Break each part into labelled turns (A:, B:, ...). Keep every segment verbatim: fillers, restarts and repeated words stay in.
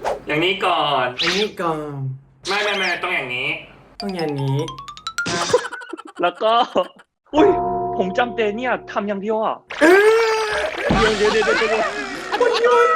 A: อย่างนี้ก่อน
B: อันนี้ก่อน
A: ไม่ไม่ไม่ต้องอย่างนี้
B: ต้องอย่างนี้
C: แล้วก็ อุ้ย ผมจำเจเนี่ยทำอย่างเดียวอ่ะเดี๋ยวเดี๋ยวเดี๋ยวเดี๋ยวเดี๋ยว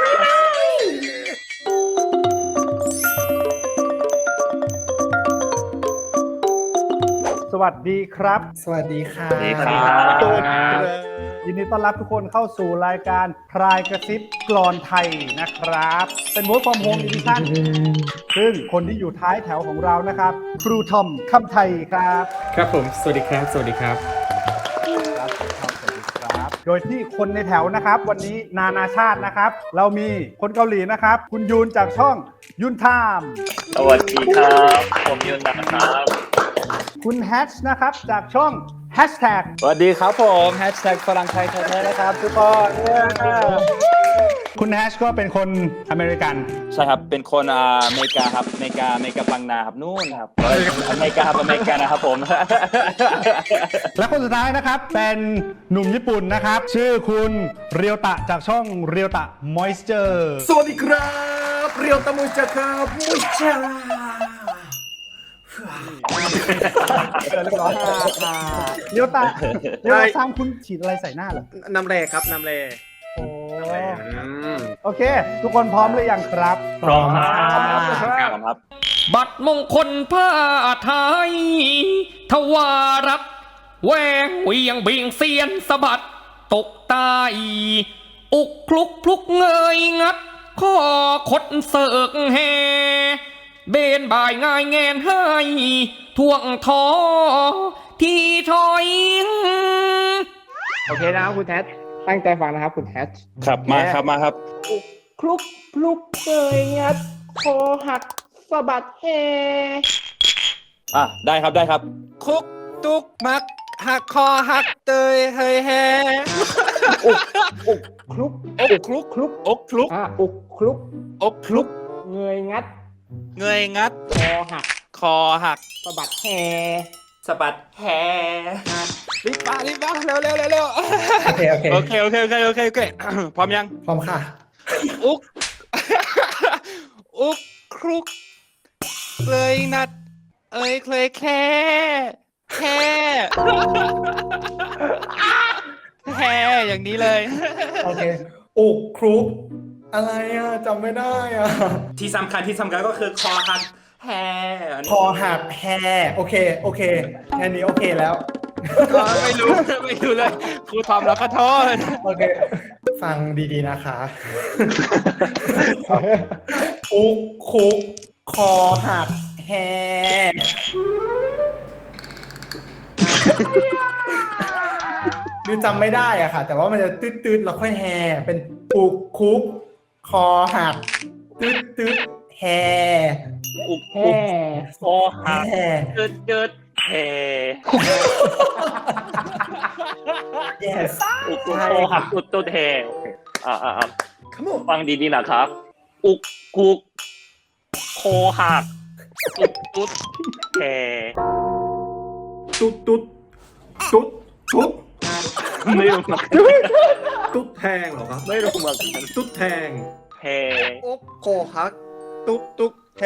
D: สวัสดีครับ
B: สวัสดีค่ะ
C: สวัสดีครับ
D: ยินดีต้อนรับทุกคนเข้าสู่รายการพรายกระซิบกลอนไทยนะครับ เป็น Work from Home Edition ซึ่งคนที่อยู่ท้ายแถวของเรานะครับ ครูทอมคำไทยครับ
B: ครับผมสวัสดีครับสวัสดีครับ
D: ครับครูทอมสวัสดีครับ โดยที่คนในแถวนะครับ วันนี้นานาชาตินะครับ เรามีคนเกาหลีนะครับ คุณยูนจากช่องยุนไทม์
C: สวัสดีครับ ผมยุนนะครับ
D: คุณแฮชนะครับจากช่องแฮชแท็ก
E: สวัสดีครับผมแฮชแท็กฝรั่งไทยแท้ๆนะครับทุกคนเย้
D: คุณแฮชก็เป็นคนอเมริกัน
E: ใช่ครับเป็นคนอ่าอเมริกาครับอเมริกาอเมริกาบางนาครับนู่นครับอเมริกาครับอเมริกานะครับผม
D: และคนสุดท้ายนะครับเป็นหนุ่มญี่ปุ่นนะครับ ชื่อคุณเรียวตะจากช่องเรียวตะ Moisture
B: สวัสดีครับเรียวตะมุจครับมุจจา
D: เรียบร้อยเรียวตะเรียวตะสร้างคุณฉีดอะไรใส่หน้าเหรอ
B: น้ำแร่ครับน้ำแร่
D: โอ้โอเค ทุกคนพร้อมหรือยังครับ
C: พร้อมครับ
E: ครับ
F: บัตรมงคลผ้าไทย ทวารัตน์แหวงเหวียงเบียงเซียนสะบัด ตกใต้อุกคลุกพลุกเงยงัด ข้อคดเสิร์กแฮเบนบ่ายง่ายแงนให้ท่วงทอที่ถอย
G: โอเคนะครับคุณแทสตั้งใจฟังนะครับคุณแทส
E: ครับมาครับมาครับ
G: คลุกคลุกเกยงัดคอหักสะบัดแฮ
E: อ่ะได้ครับได้ครับ
B: คุกตุกมักหักคอหักเตยเฮยแฮ
G: คลุก
B: อกคลุกคลุกอกคลุก
G: อ่ะอุกคลุก
B: อกคลุก
G: เงยงัด
B: เงยงัด
G: คอหัก
B: คอหัก
G: สะบัดแฮ
B: สะบัดแฮรีบมารีบมาเร็วเร็วเร็วเร็วโอเคโอเคโอเคโอเคโอเคโอเคโอเคพร้อมยังพร้อมค่ะอุกอุกคลุกเลยนัดเอ้ยเคยแค่แค่แค่อย่างนี้เลยโอเคอุกคลุกอะไรอ่ะจำไม่ได้อ่ะ
A: ที่สำคัญที่สำคัญก็คือคอหักแฮอันนี้
H: คอหักแฮโอเค โอเคแค่นี้โอเคแล้ว
B: ก็ไม่รู้ ไม่รู้เลยครูทอมแล้วก็โทษ
H: โอเค ฟังดีๆนะคะ อุกคุก คอหักแฮคือจำไม่ได้อะค่ะ แต่ว่ามันจะตืดๆแล้วค่อยแฮเป็นอุกคุก คอหักตืดๆแฮ
C: อุก
G: แฮ
C: อุกคอหัก
H: แฮ
C: เจิดเจิดแฮ
H: yes
C: อุกอุกคอหักตุดตุดแฮโอเคอ่าอ่าอ่าฟังดีๆนะครับ อุกกุกคอหักตุดตุดแฮ
B: ตุ๊ดตุ๊ดตุ๊ดตุ๊ด
C: ไม่รู้เหมือนกัน
B: ตุ๊ดแทงเหรอครับ
C: ไม่รู้เหมือนกัน
B: ตุ๊ดแทง
C: แฮ
B: อกโคฮัก ตุ๊ดตุ๊ดแท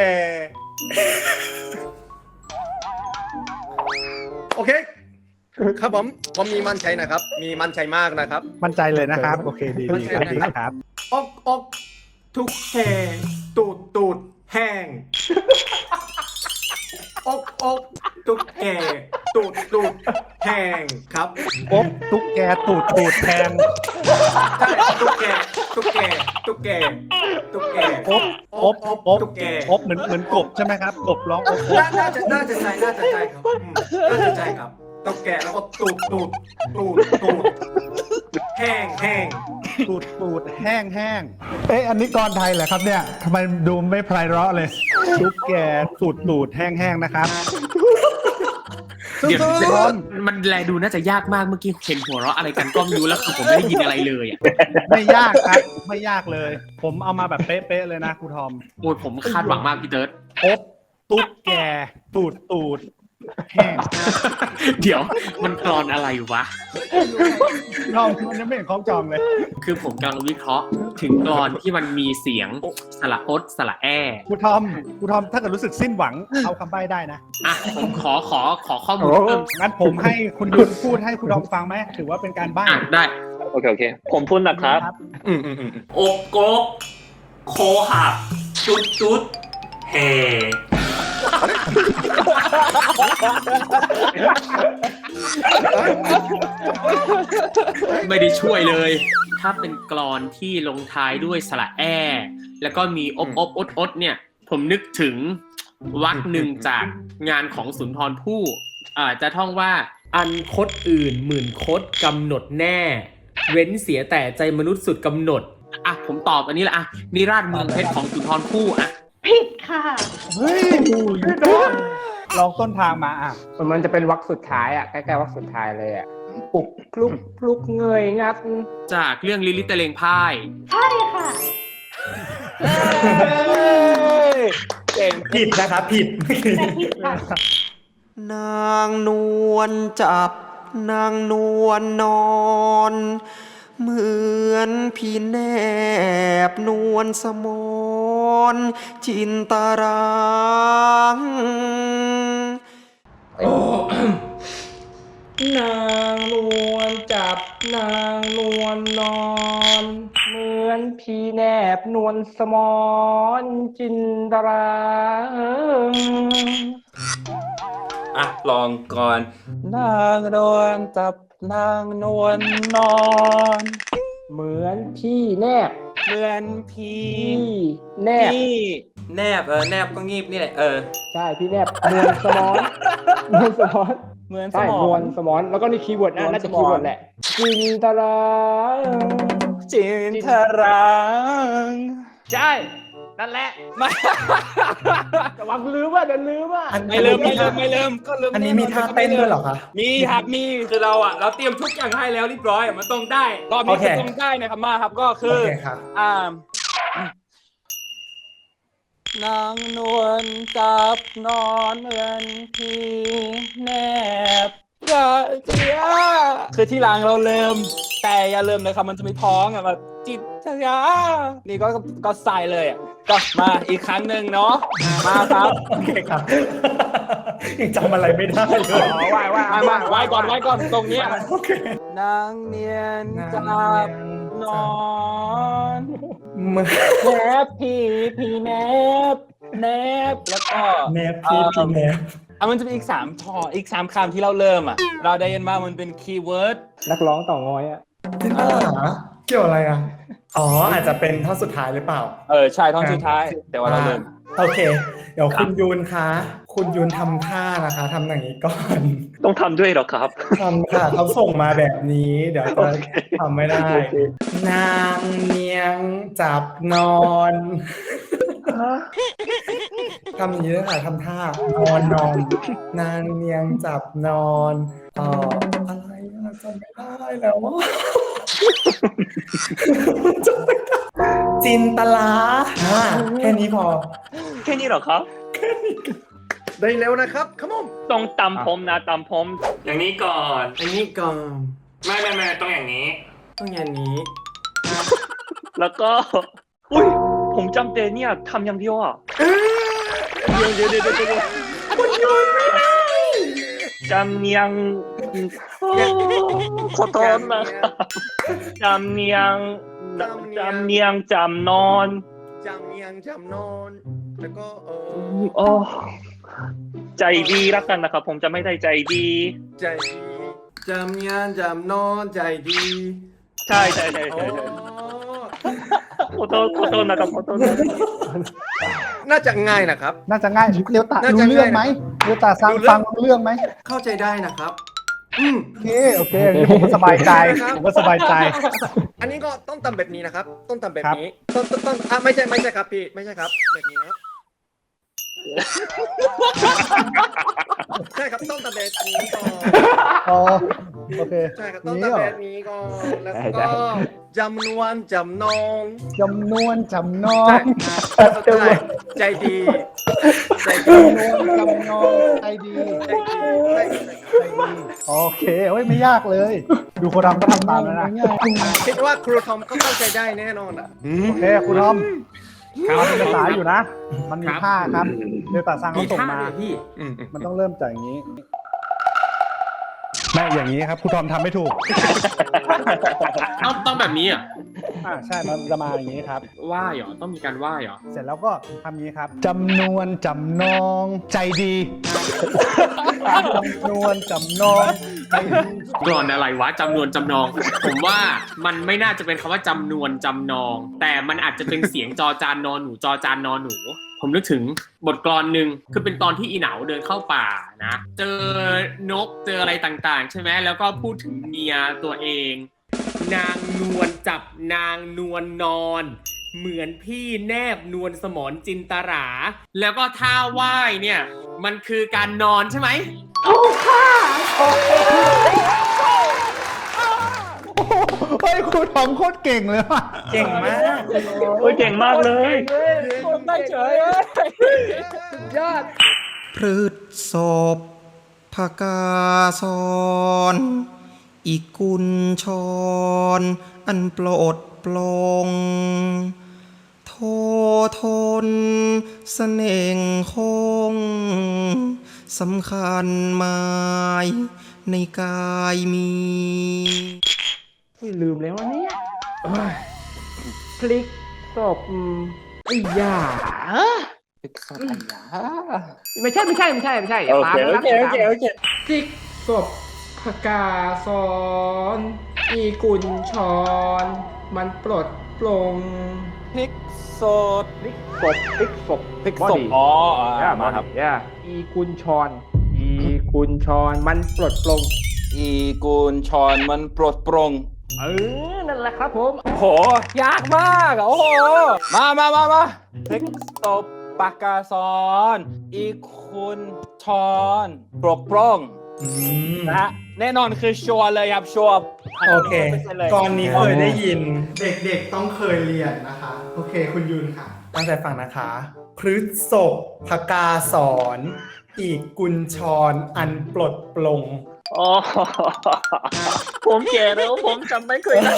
B: โอเค ครับผมผมมีมั่นใจนะครับ มีมั่นใจมากนะครับ
D: มั่นใจเลยนะครับ โอเคดีดีครับดีครับ
B: อกอกทุกแหงตูดตูดแห้งอกอกทุกแหงตูดตูดแห้งครับ
D: อบตุ๊กแกตูดตูดแทง
B: ใช่ตุ๊กแกตุ๊กแกตุ๊กแกตุ๊กแก
D: อบอบอบ
B: ตุ๊กแก
D: อบเหมือนเหมือนกบใช่ไหมครับกบร้องอบอบ
B: น่าน่าจะน่าจะใช่น่าจะใช่ครับอืมน่าจะใช่ครับตุ๊กแกแล้วก็ตูดตูดตูดตูดแห้งแห้ง
D: ตูดตูดแห้งแห้งเอ๊ะอันนี้กรไทยเหรอครับเนี่ยทำไมดูไม่ไพเราะเลยตุ๊กแกตูดตูดแห้งแห้งนะครับ
I: เดี๋ยว
D: พร้อม
I: มันแลดูน่าจะยากมากเมื่อกี้เห็นหัวเราะอะไรกันก็ไม่รู้แล้วคือผมไม่ได้ยินอะไรเลยอ่ะ
D: ไม่ยากครับไม่ยากเลย ผมเอามาแบบเป๊ะๆเลยนะครูทอม
I: โอ้ยผมคาดหวังมากพี่เติร์ด
D: อบตุ๊กแกตูดตูดแห้ง
I: เดี๋ยวมันกรอนอะไรวะ
D: ลองมันยังไม่เห็นคล้องจองเลย
I: คือผมกำลังวิเคราะห์ถึงกรอนที่มันมีเสียงสระอดสระแอ
D: ครูทอมครูทอมถ้าเกิดรู้สึกสิ้นหวังเอาคำใบ้ได้นะ
I: อ่ะผมขอขอขอข้อมูลเพิ่ม
D: งั้นผมให้คุณยุนพูดให้ครูทอมฟังไหมถือว่าเป็นการใบ้
I: อ่ะได้
C: โอเคโอเค ผมพูดนะครับ
E: อืมอืมอืม
A: อกกกโคหักจุดจุดแห่
I: ไม่ได้ช่วยเลย ถ้าเป็นกรอนที่ลงท้ายด้วยสระแอ แล้วก็มีอบอบอดอดเนี่ย ผมนึกถึงวรรคหนึ่งจากงานของสุนทรภู่อ่าจะท่องว่า อันคดอื่นหมื่นคดกำหนดแน่ เว้นเสียแต่ใจมนุษย์สุดกำหนด อ่ะ ผมตอบอันนี้ละอ่ะนิราศเมืองเพชรของสุนทรภู่อ่ะ
G: ผิดค่ะ
D: เฮ้ยลองต้นทางมาอ่ะ
G: มันจะเป็นวรรคสุดท้ายอ่ะใกล้ๆวรรคสุดท้ายเลยอ่ะปลุกพลุกพลุกเงยงัด
I: จากเรื่องลิลิตะเลงพ่าย
G: ใช่ค่ะ
B: เก่ง
H: ผิดนะครับผิด
G: แต่ผิดค่ะ
J: นางนวลจับนางนวลนอน เหมือนพี่แนบนวลสมนจินตาราง
G: นางนวลจับนางนวลนอน เหมือนพี่แนบนวลสมอนจินตรา
A: อ่ะลองก่อน
E: นางนวลจับนางนวลนอน
G: เหมือนพี่แนบ
E: เหมือนพี
G: พี่แนบ
E: พี่
A: แนบเออแนบก็งีบนี่แหละเออ
G: ใช่พี่แนบนวลสมอนนวลสมอน
E: เหมือนส
G: ใช่
E: มอน
G: วลสมอนแล้วก็นี่คีย์เวิร์ดนะ
E: นวล
G: น่าจะ
E: สม
G: คี
E: อน
G: ย์เวิร์ดแหละจินตรา
E: จินทรัง
G: ใช่นั่นแหละไม่แต่ว่าลืมว่าเดี๋ยวลืมว่า
H: อัน
E: ไม่เริ่มไม่เริ่มไม่เริ่มก็เริ่ม
H: อันนี้มีท่าเต้นด้วยเหรอคะ
E: มีครับมี
A: คือเราอ่ะเราเตรียมทุกอย่างให้แล้วเรียบร้อยอะมันต้องได้
E: รอบนี้คือต้องได้นะครับมาครับก็คื
H: โอ
E: อ
H: เคครับ
E: อ่านางนวลจับนอนเหมือนพี่แนบกะเจียคือที่หลังเราเริ่มแต่อย่าเริ่มเลยครับมันจะไม่ท้องอ่ะแบบจิตชยานี่ก็ก็ใส่เลยอ่ะก็มาอีกครั้งหนึ่งเนาะมาครับ
H: โอเคครับ ยังจำอะไรไม่ได้เลย
E: อ๋อไหว้ไหว้มามาไหว้ก่อนไหว้ก่อนตรงเนี้ย
H: โอเคน
E: างเนียนจับนอน
H: มือ
E: แนบพี่พี่แนบแนบแล้วก็
H: แนบพี่พี่แนบ
E: อ่ะมันจะมีอีกสามทออีกสามคำที่เราเริ่มอ่ะ เราได้ยินว่ามันเป็นคีย์เวิร์ด
G: นักร้องต่องอยอ่ะ
H: จินตลาเกี่ยวอะไรอ่ะ อ๋ออาจจะเป็นท่อนสุดท้ายหรือเปล่า
E: เออใช่ท่อนสุดท้าย แต่ว่าเราเริ่ม
H: โอเค เดี๋ยวคุณยูนคะ คุณยูนทำท่านะคะทำอย่างนี้ก่อน
C: ต้องทำด้วยเหรอครับ
H: ทำค่ะเขาส่งมาแบบนี้ เดี๋ยวจะทำไม่ได้
C: โอเค
H: นางเนียงจับนอน ทำอย่างนี้เลยค่ะทำท่านอนนอน นางเนียงจับนอนเอ่ออะไรอะจำไม่ได้แล้วอะจำไม่ได้จินตลาอ่าแค่นี้พอ
C: แค่นี้เหรอครับ
D: ได้เร็วนะครับขมม
C: ต้องตำผมนะตำผม
A: อย่างนี้ก่อน
J: อันนี้ก่อน
A: ไม่ไม่ไม่ต้องอย่างนี้
J: ต้องอย่างนี้
C: แล้วก็ อุ้ยผมจำเตเนี่ยทำอย่างเดียวอ่ะเดี๋ยวเดี๋ยวเดี๋ยวเดี๋ยวเดี๋ยวจำเนียงขอโทษนะครับจำเนียงจำเนียงจำนอน
J: จำเนียงจำนอนแล้วก็เออ
C: โอ้ใจดีรักกันนะครับ ผมจะไม่ได้ใจดี
J: ใจดีจำเนียงจำนอนใจดี
C: ใช่ใช่ใช่ใช่ใช่ขอโทษขอโทษนะครับขอโทษนะ
J: น่าจะง่ายนะครับ
D: น่าจะง่ายเรียวตา
J: น่า
D: รู้
J: จะ
D: เรื่องไหม
J: ง่ายนะ
D: เรียวตาฟัง
J: รู้เรื่อง
D: ฟังรู้เรื่องไหม
J: เข้าใจได้นะครับ อืม
D: โอเคโอเคอันนี้ผมก็สบายใจผมก็สบายใจ
J: อันนี้ก็ต้องทำแบบนี้นะครับ ต้องทำแบบ
D: ครับ
J: นี้ต้องต้องต้องอ่ะไม่ใช่ไม่ใช่ครับพี่ไม่ใช่ครับ แบบนี้นะครับใช่ครับต้องทำแบบนี้ก่อน
D: อ๋อโอเค
J: ใช่ครับต้อง
D: นี่
J: ตะ
D: เหรอ
J: แบบนี้ก่อนแล้วก็จำนวนจำนอง
D: จำนวนจำนอง
J: ใช่ใช่ใจดีใจดี
D: จำนวนจำนองใจดี
J: ใจดีใจดี
D: ใจดีโอเคเฮ้ยไม่ยากเลย ดูคนทำก็ทำตามแล้วนะ
J: คิดว่าครูทอมก็เข้าใจได้แน่นอนอ่ะ
D: โอเคคุณทอมมันเป็นภาษาอยู่นะ มันมีท่าครับเดลต้าซังเขาส่งมา
I: พี่
D: มันต้องเริ่มจากอย่างนี้ไม่อย่างนี้ครับคุณทอมทำไม่ถูก
I: ต้องต้องแบบนี้อ่ะ
D: อ่าใช่มันจะมาอย่างนี้ครับ
I: ว่าเหรอต้องมีการว่าเหรอ
D: เสร็จแล้วก็ทำอย่างนี้ครับจำนวนจำนองใจดีจำนวนจำนองใจดี
I: กรอนอะไรวะจำนวนจำนอง ผมว่ามันไม่น่าจะเป็นคำว่าจำนวนจำนอง แต่มันอาจจะเป็นเสียงจอจานนอนหนูจอจานนอนหนู ผมนึกถึงบทกลอนหนึ่งคือเป็นตอนที่อีเหนาเดินเข้าป่านะ เจอนกเจออะไรต่างๆใช่ไหมแล้วก็พูดถึงเมียตัวเอง นางนวลจับนางนวลนอน เหมือนพี่แนบนวลสมรจินตรา แล้วก็ท่าไหว้เนี่ยมันคือการนอนใช่ไหม
D: เฮ้ยคุณทอมโคตรเก่งเลยว่ะ
H: เก่งมาก
C: โอ้ยเก่งมากเลย
E: คนได้เฉยเลยยอด
J: พฤษศพภกาสอนอีกุลชรอันโปรดปลงโททนเสน่งคงสำคัญหมายในกายมี
G: ลืมแล้ววะเนี่ยเอ้ยพลิกศพไอ้ยาไม่ใช่ไม่ใช่ไม่ใช่ไม่ใช่อย่าตาม
C: โอ
G: นะ
C: เคโอเคโอเค
G: พลิกศพพกาสอนอีกุลชรมันปลดปลง
E: พริกสด
G: พลิกศพพลิกศพ
E: พริกสดอ๋ออ่า
G: ย่า
E: มา
G: มา
E: ค
G: ค
E: รั
G: รับ บย่าอีกุลชรอีกุลชรมันปลดปลง
E: อีกูลชอนมันปลดปรง
G: เออนั่นแหละครับผม
E: โหยากมากอ่ะโอ้โหมามามามาพริกตบปากกาซอนอีคุณชอนปลดปรงนะฮะแน่นอนคือชัวร์เลยครับชัวร์
H: โอเค
E: เลย
H: ก่อนนี้เคยได้ยิน เด็กๆต้องเคยเรียนนะคะ โอเคคุณยุนค่ะ ตั้งใจฟังนะคะพฤษภกาสอนอีกกุญชรอันปลดปลง
C: อ๋อผมแก่แล้วผมจำไม่เคยได้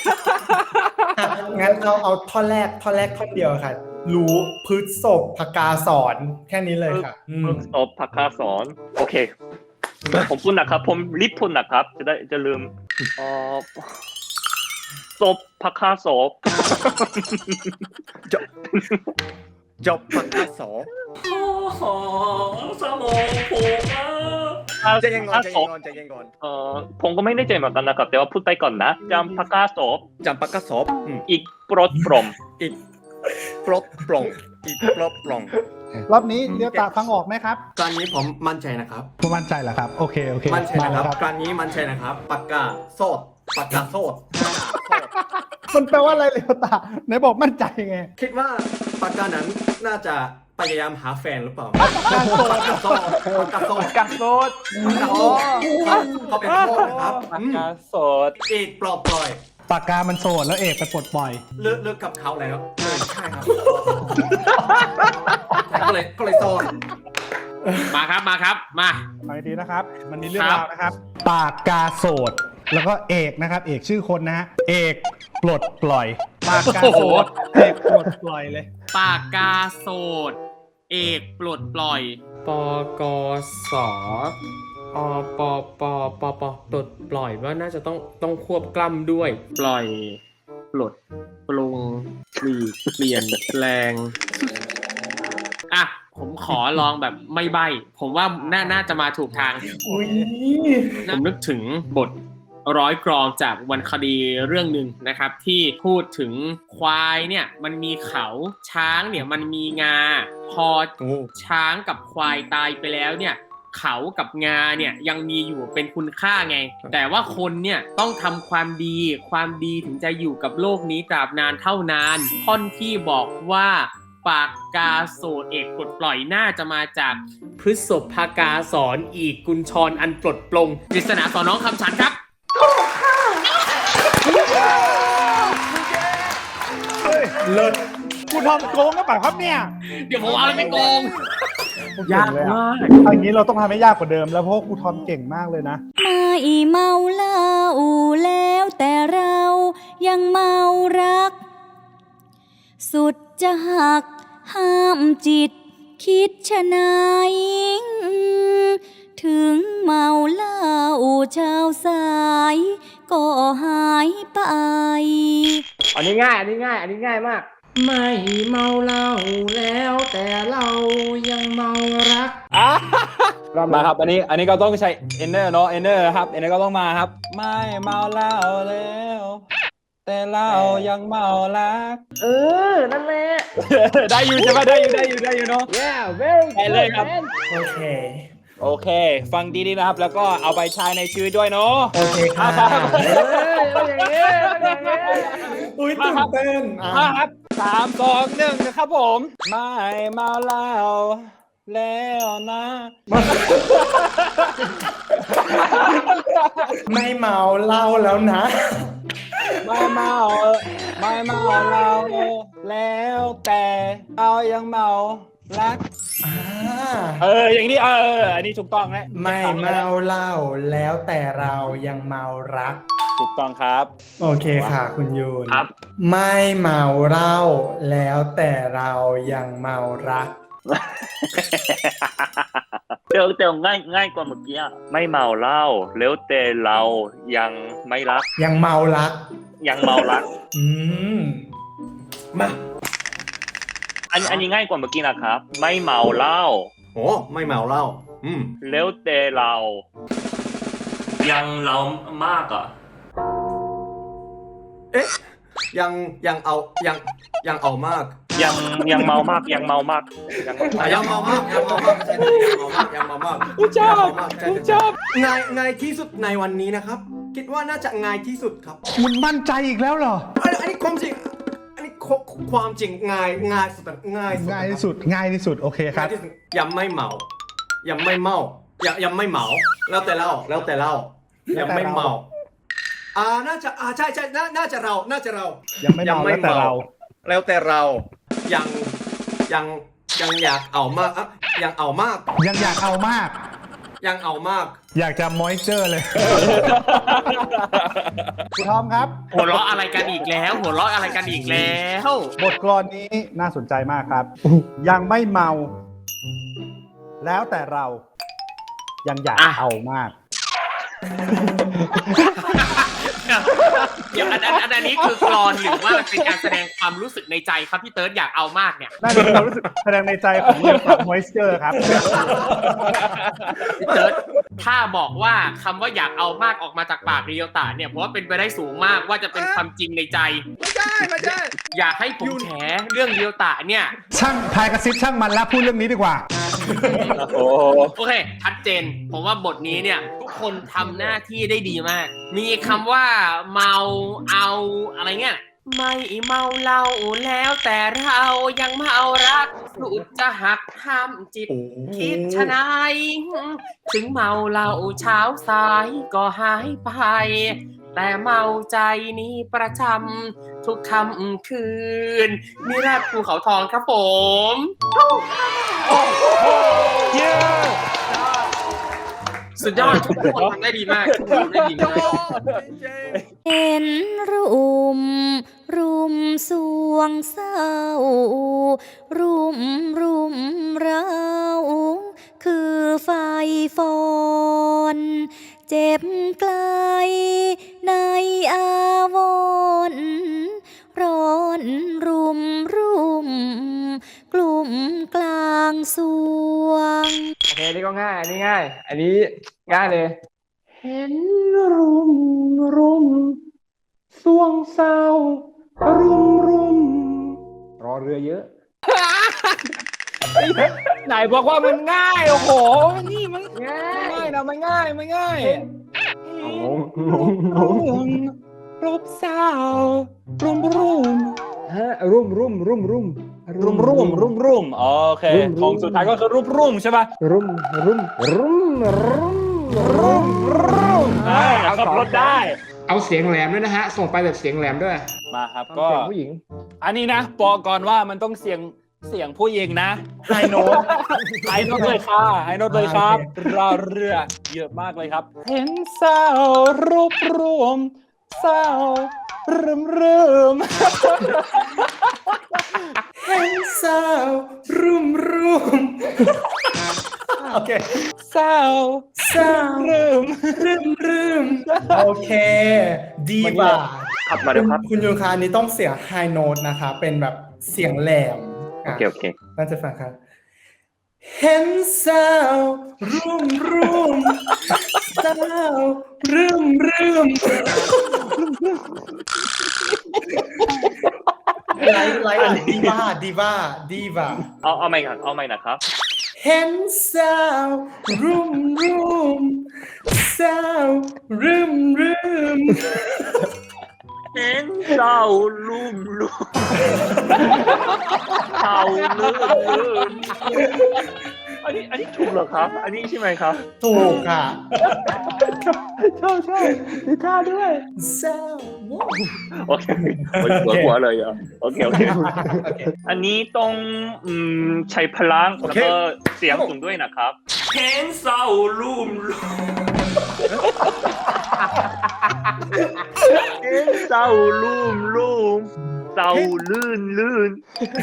H: งั้นเอาเอาท่อนแรกท่อนแรกท่อนเดียวค่ะ รู้พฤษภกาสอนแค่นี้เลยค่ะอืม
C: ศพพักคาสอนโอเค ผมพูดนะครับ ผมรีบพูดนะครับ จะได้จะลืมอ๋อศพพักคาศพ
J: จบปากกาสอ
A: โอ้โหสมองผมอ่ะ
J: ใจเย็นก่อนใจเย็นก่อนใจเย็นก่อน
C: เออผมก็ไม่แน่ใจเหมือนกันนะครับ แต่ว่าพูดไปก่อนนะจำพักคาศพ
J: จำปากกาสออืม
C: อีกปลดปลอม
J: อีกปลดปลงอีกปลดปลง
D: รอบนี้เดลต้าฟังออกไหมครับ
K: ตอนนี้ผมมั่นใจนะครับ
D: ผมมั่นใจเหรอครับโอเคโอเค
K: มั่นใจนะครับ
D: มา
K: ตอนนี้มั่นใจนะครับ ปากกาโซดปากกาโซด
D: มันแปลว่าอะไรเดลต้าไหนบอกมั่นใจไง
K: คิดว่าปากกานั้นน่าจะพยายามหาแฟนหรือเปล่า
D: ปากกาโซด
K: ปากกาโซดปากกาโซด
E: กักโซด
K: ปากกาโซดเขาเป็นโซดนะครับ
E: ปาก
K: อืม
E: กาโซด
K: อีกปลอบปล่อย
D: ปากกามันโสดแล้วเอกไปปลดปล่อย
K: เลิกเลิกกับเขาแล้วเออใช่ครับก็เลยก็เลยโซด
I: มาครับมาครับมา
D: ฟังให้ดีนะครับ มันมีเรื่อง
I: ครับ
D: ราวนะครับ ปากกาโสด แล้วก็เอกนะครับ เอกชื่อคนนะฮะ เอกปลดปล่อย ปากกาโสด เอกปลดปล่อยเลย
I: ปากกาโสด เอกปลดปล่อย
G: ปกสอปปปปปลดปล่อยว่าน่าจะต้องต้องควบกล้ำด้วย
I: ปล่อย ปลด ปรุงปลีกเปลี่ยนแปลง อ่ะ ผมขอลองแบบไม่ใบ้ ผมว่าน่าน่าจะมาถูกทาง
H: อุ้ย
I: ผมนึกถึงบทร้อยกรองจากวรรณคดีเรื่องหนึ่งนะครับ ที่พูดถึงควายเนี่ยมันมีเขาช้างเนี่ยมันมีงา พอช้างกับควายตายไปแล้วเนี่ย เขากับงาเนี่ยยังมีอยู่เป็นคุณค่าไง แต่ว่าคนเนี่ยต้องทำความดี ความดีถึงจะอยู่กับโลกนี้ตราบนานเท่านานท่อนที่บอกว่าปากกาโสดเอกปลดปล่อยน่าจะมาจากพฤษภกาสอนอีกกุญชรอันปลดปลงปริศนาสอนน้องคำฉันครับ
D: เลิศคุณทอมโกงก็เปล่าครับเนี่ย
I: เดี๋ยวผมเอาอะไรไปโกง
D: ยากมากอันนี้เราต้องทำให้ยากกว่าเดิมแล้วเพราะครูทอมเก่งมากเลยนะ
L: ไม่เมาเหล้าแล้วแต่เรายังเมารัก สุดจะหักห้ามจิตคิดชะนายถึงเมาเหล้าเช้าสายก็หายไป
G: อันนี้ง่ายอันนี้ง่ายอันนี้ง่ายมากไม่เมาเหล้าแล้วแต่เรายังเมารัก
B: มาครับอันนี้อันนี้ก็ต้องใช้ inner เนาะ inner ครับ inner ก็ต้องมาครับไม่เมาเหล้าแล้วแต่เรายังเมารัก
G: เออนั่นแหละ
B: ได้อยู่ใช่ไหมได้อยู่ได้อยู่ได้อยู่เนาะ
G: yeah very
B: ไปเลยครับ
G: man
H: โอเค
B: โอเค ฟังดีๆนะครับ แล้วก็เอาไปใช้ในชีวิตด้วยเนาะ
H: โอเคค่ะ
B: ครับ
G: เอ้ยเอาอย่างนี้เอาอย่างนี้
H: อุ้ยตื่นเต้นอ่ะ
B: มาครับสามสองหนึ่งนะครับผมไม่เมาเหล้าแล้วนะ
H: ไม่เมาเหล้าแล้วนะ
B: ไม่เมาไม่เมาเราแล้วแต่เอายังเมารัก
H: อ่า
B: เอออย่างนี้เอออันนี้ถูกต้องแล้ว
H: ไม่เมาเหล้าแล้วแต่เรายังเมารัก
B: ถูกต้องครับ
H: โอเคค่ะคุณยูน
C: ครับ
H: ไม่เมาเหล้าแล้วแต่เรายังเมารัก
C: เดี๋ยวเดี๋ยวง่ายง่ายกว่าเมื่อกี้อะไม่เมาเหล้าแล้วแต่เรายังไม่รัก
H: ยังเมารัก
C: ยังเมารัก
H: อืมมา
C: อันอันนี้ง่ายกว่าเมื่อกี้นะครับ ไม่เมาเหล้า
K: โอ้ไม่เมาเหล้าอืม
C: แล้วแต่เรา
A: ยังเรามากอ่ะ
K: เอ๊ะยังยังเอายังยังเอามาก
C: ยังยังเมามากยังเมามากยังเมา
K: อ่ะยังเมามากยังเมามากใช่ไหมยังเมามากยังเมามาก
B: กูชอบ
K: ยังเมามากใช่
B: กู
K: ใช่
B: ชอบ
K: ง่ายง่ายที่สุดในวันนี้นะครับ คิดว่าน่าจะง่ายที่สุดครับ
D: คุณมั่นใจอีกแล้วเหรอ
K: อันอันนี้ความจริงอันนี้ควความจริงง่ายง่ายสุดง่ายสุด
D: ง่ายที่สุดง่ายที่สุดโอเคครับ
K: ง่ายที่สุดยังไม่เมายังไม่เมายังยังไม่เมาแล้วแต่เราแล้วแต่เรายังไม่เมาอ่าน่าจะอ่าใช่ใช่น่าน่าจะเราน่าจะเรา
D: ยังไม่เมาแล้วแต่เรา
K: แล้วแต่เรายังยังยังอยากเอามากอ่ะยังเอามาก
D: ยังอยากเอามาก
K: ยังเอามาก
D: อยากจะมอยเจอร์เลย คุณทอมครับ
I: หัวเราะอะไรกันอีกแล้ว หัวเราะอะไรกันอีกแล้ว
D: บทกลอนนี้น่าสนใจมากครับ ยังไม่เมา แล้วแต่เรา ยังอยาก
I: อ่ะ
D: เอามาก
I: เดี๋ยวอันอันอันอันนี้คือกลอนหรือว่ามันเป็นการแสดงความรู้สึกในใจครับพี่เติร์ดอยากเอามากเนี่ย
D: น่าจะเป็นความรู้สึกแสดงในใจของเรื่องของมอยเจอร์ครับ
I: พี่เติร์ดถ้าบอกว่าคำว่าอยากเอามากออกมาจากปากเรียวตาเนี่ยเพราะว่าเป็นไปได้สูงมากว่าจะเป็นความจริงในใจ
K: ไม่ได้ไม่ได้
I: อยากให้ผมแฉเรื่องเรียวตาเนี่ย
D: ช่างพายกระซิบช่างมันแล้วพูดเรื่องนี้ดีกว่า
B: โอ้
I: โอเคชัดเจนผมว่าบทนี้เนี่ยทุกคนทำหน้าที่ได้ดีมาก มีคำว่าเมาเอาอะไรเงี้ยไม่เมาเหล้าแล้วแต่เรายังเมารักสุดจะหักห้ามจิต คิดชะนายถึงเมาเหล้าเช้าสายก็หายไป แต่เมาใจนี้ประจำทุกค่ำคืนนิราศภูเขาทองครับผมสุดยอดทุกคนทำได้ดีมากทุกคนทำได้ดีมาก
L: เห็นรุม รุมสวงเศร้า รุม รุมเราคือไฟฟอน เจ็บไกลในอาวรณ์ร้อนรุม รุม กลุ่มกลางสวง
G: โอเคนี่ก็ง่ายอันนี้ง่าย อันนี้ง่ายเลย เห็นรุมรุมสวงเศร้ารุมรุมรอเรือเยอะ
B: ไหนบอกว่ามันง่ายโอ้โหนี่มัน
G: ง่า
B: ง่าย ยนะมันง่ายมันง่าย
G: งงงงง
B: รูปสาวรุมรุม
G: ฮะรุมรุมรุมรุม
B: รุ่มรุ่มรุ่มรุ่มโอเคของสุดท้ายก็คือรุ่มรุ่มใช่ป่ะ
G: รุ่มรุ่มรุ่มรุ่ม
B: รุ่มรุ่มอ่าขับรถได้
G: เอาเสียงแหลมด้วยนะฮะ ส่งไปแบบเสียงแหลมด้วย
B: มาครับ
G: ก็
B: ก็
G: ผู้หญิง
B: อันนี้นะบอกก่อนว่ามันต้องเสียงเสียงผู้หญิงนะไฮโน้ตไฮโน้ตเลยค่ะไฮโน้ตเลยครับรอเรือเยอะมากเลยครับ เห็นสาวรูปรวมสาวรึมรึม
H: เห็นสาวรุ่มรุ่มโอเค
B: สาว
H: สาว
B: รึม
H: รึมรึมโอเคดีบ่า
C: ครับมาเดี๋ยวครับ
H: คุณยูนคาอันนี้ต้องเสียงไฮโน้ตนะคะ เป็นแบบเสียงแหลม
C: โอเคโอเค
H: น่าจะฟังครับเห็นสาวรุ่มรุ่มสาวรึมรึมไลฟ์ไลฟ์ดีบ้าดีบ้าดีบ้า
C: เอาเอาใหม่ครับเอาใหม่นะครับ
H: เห็นสาวรุ่มรุ่มสาวรึมรึม
C: เห็นเจ้าลุ่มลุ่มเจ้าลื่นลื่นอันนี้อันนี้ถูกเหรอครับ อันนี้ใช่ไหมครับ
H: ถูกค่ะ
G: ชอบชอบมีท่าด้วย
H: สาว
C: โอเคหัวหัวเลยเหรอโอเคโอเคอันนี้ต้องอืมใช้พลังแล้วก็เสียงสูงด้วยนะครับ
A: เห็นเศร้าลุ่มลุ่ม
C: เห็นเจ้าลุ่มลุ่มเจ้าลื่นลื่น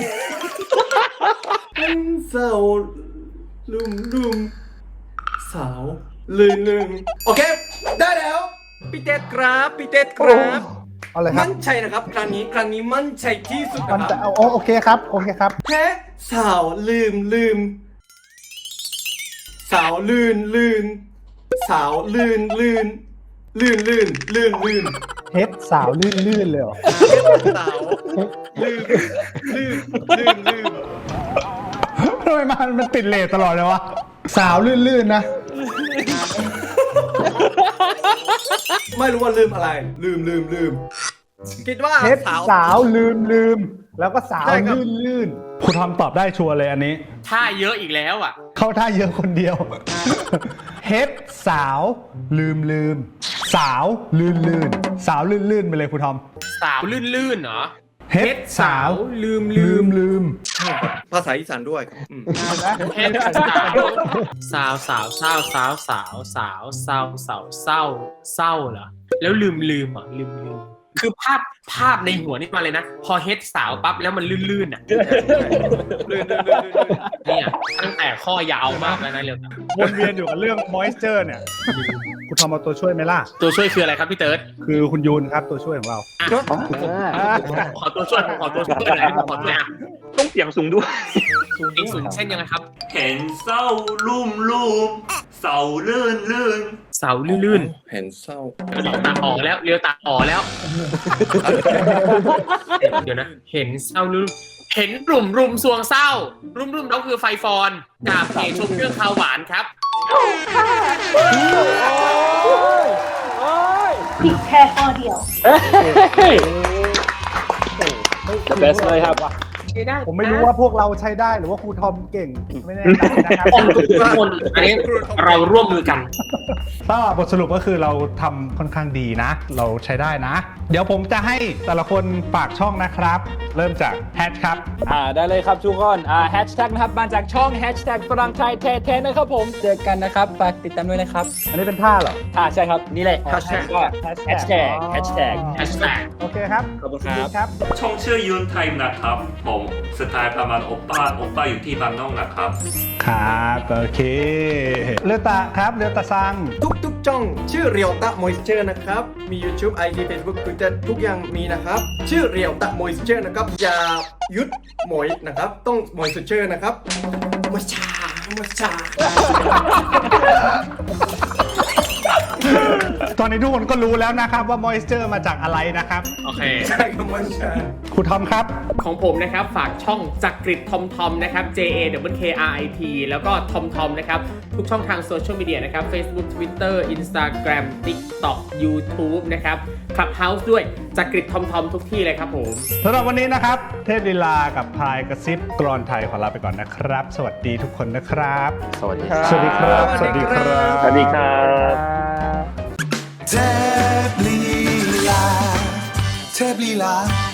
H: เห็นสาวลุ่มลุ่มสาวลื่นลื่นโอเค ได้แล้ว
K: พี่เต้ครับพี่เต้ครับ
D: เอาเลยครับ
K: มั่นใจนะครับ ครั้งนี้ครั้งนี้มั่นใจที่สุด
D: มัน
K: นะค
D: จะ
K: รับ
D: เอาโอเคครับโอเคครับ
H: แพ้สาวลืมลืมสาวลื่นลื่นสาวลื่นลื่นลื่นลื่นลื่นลื่น
D: เฮ็ดสาวลื่นลื่นเลยเหรอ
H: สาวลื่นลื่นลื่นลื่น
D: ทำไมมันมันติดเลทตลอดเลยวะ สาวลื่นลื่นนะ
H: ไม่รู้ว่าลืมอะไร ลืมลืมลืม
K: คิดว่า
D: เฮ็ด
K: สาว
D: สาวลืมลืมแล้วก็สาว
K: ใช่ครับ
D: ลื่นลื่นคุณทอมตอบได้ชัวร์เลยอันนี้
I: ท่าเยอะอีกแล้วอ่ะ
D: เข้าท่าเยอะคนเดียว เฮ็ดสาวลืมลืมสาวลื่นลื่นสาวลื่นลื่นไปเลยคุณทอม
I: สาวลื่นๆเหรอ
D: เฮ็ดสาวลืมลืมลืม
K: ภาษาอีสานด้วยอืม
I: เฮ็ดสาวสาวสาวสาวสาวสาวสาวสาวเศร้าเศร้าเหรอแล้วลืมลืมอ่ะลืมลืมคือภาพภาพในหัวนี่มาเลยนะ พอเฮ็ดสาวปั๊บแล้วมันลื่นๆอ่ะ
K: ลื่นลื่นลื่นลื่น
I: เนี่ยตั้งแต่ข้อยาวมากแล้วนะเร็ว
D: วนเวียนอยู่กับเรื่อง moisture เนี่ย คุณทอมเอาตัวช่วยไหมล่ะ
I: ตัวช่วยคืออะไรครับพี่เติร์ด
D: คือคุณยูนครับตัวช่วยของเรา
I: ขอตัวช่วยผมขอตัวช่วยหน่อยผมขอตัวอ่ะ
C: ต้องเสียงสูงด้วย
I: เองสูงเช่นยังไงครับ
A: เห็นเศร้าลุ่มลุ่มเศร้าลื่นลื่น
I: เสาลื่น
K: เห็นเศร้า
I: ๆเลี้ยวตาอ๋อแล้วเลี้ยวตาอ๋อแล้ว เดี๋ยวนะ เห็นเศร้าลื่นเห็นรุมรุมสวงเศร้า รุมรุมแล้วคือไฟฟอนกาบเพชมเครื่องคาวหวานครับ
L: ผิดแค่ข้อเดียว
B: the best เลยครับ
D: ผมไม่รู้ว่าพวกเราใช้ได้หรือว่าครูทอมเก่ง ไม่แน่ใจนะครับ
I: ทุกคนอันนี้เราร่วมมือกัน
D: ก็บทสรุปก็คือเราทำค่อนข้างดีนะ เราใช้ได้นะ เดี๋ยวผมจะให้แต่ละคนฝากช่องนะครับ เริ่มจากแฮชครับ
B: อ่าได้เลยครับทุกคนอ่าแฮชแท็กนะครับมาจากช่องแฮชแท็กฝรั่งไทยแท้ๆนะครับผมเจอกันนะครับฝากติดตามด้วยนะครับ
D: อันนี้เป็นท่าเหรอ
B: อ่าใช่ครับนี่แหละ
D: แฮชแท็ก
B: ก็แฮชแท็กแฮชแท็ก
I: แฮชแท็ก
D: โอเคครับ
B: ขอบคุณครับ
D: ครับ
A: ช่องชื่อยูนไทม์นะครับผมสไตล์ประมาณโอป้าโอป้าอยู่ที่บางนอกนะครับ
D: ครับโอเคเลือตาครับเลือตาซัง
K: ทุกทุกๆช่องชื่อเรียวตะมอยเจอร์นะครับ มี YouTube ไอ จี Facebook Twitter ทุกอย่างมีนะครับ ชื่อเรียวตะมอยเจอร์นะครับ อย่าหยุดหมอยนะครับ ต้องมอยเจอร์นะครับมอยชามอยชา
D: ตอนนี้ทุกคนก็รู้แล้วนะครับว่า moisture มาจากอะไรนะครับ
I: โอเค
K: ใช่ครับมันใช่
D: ครูทอมครับ
I: ของผมนะครับฝากช่องจักริดทอมทอมนะครับ J A W K R I T แล้วก็ทอมทอมนะครับทุกช่องทางโซเชียลมีเดียนะครับ Facebook Twitter Instagram TikTok YouTube นะครับ Clubhouse ด้วยจักริดทอมทอมทุกที่เลยครับผม
D: สำหรับวันนี้นะครับ เทพลีลากับพายกระซิบกรอนไทยขอลาไปก่อนนะครับ สวัสดีทุกคนนะครับ
C: สวัสดีครับ
D: สวัสดีครับ สวัสดีครับ
C: สวัสดีครับ
M: เทพลีลาเทพลีลา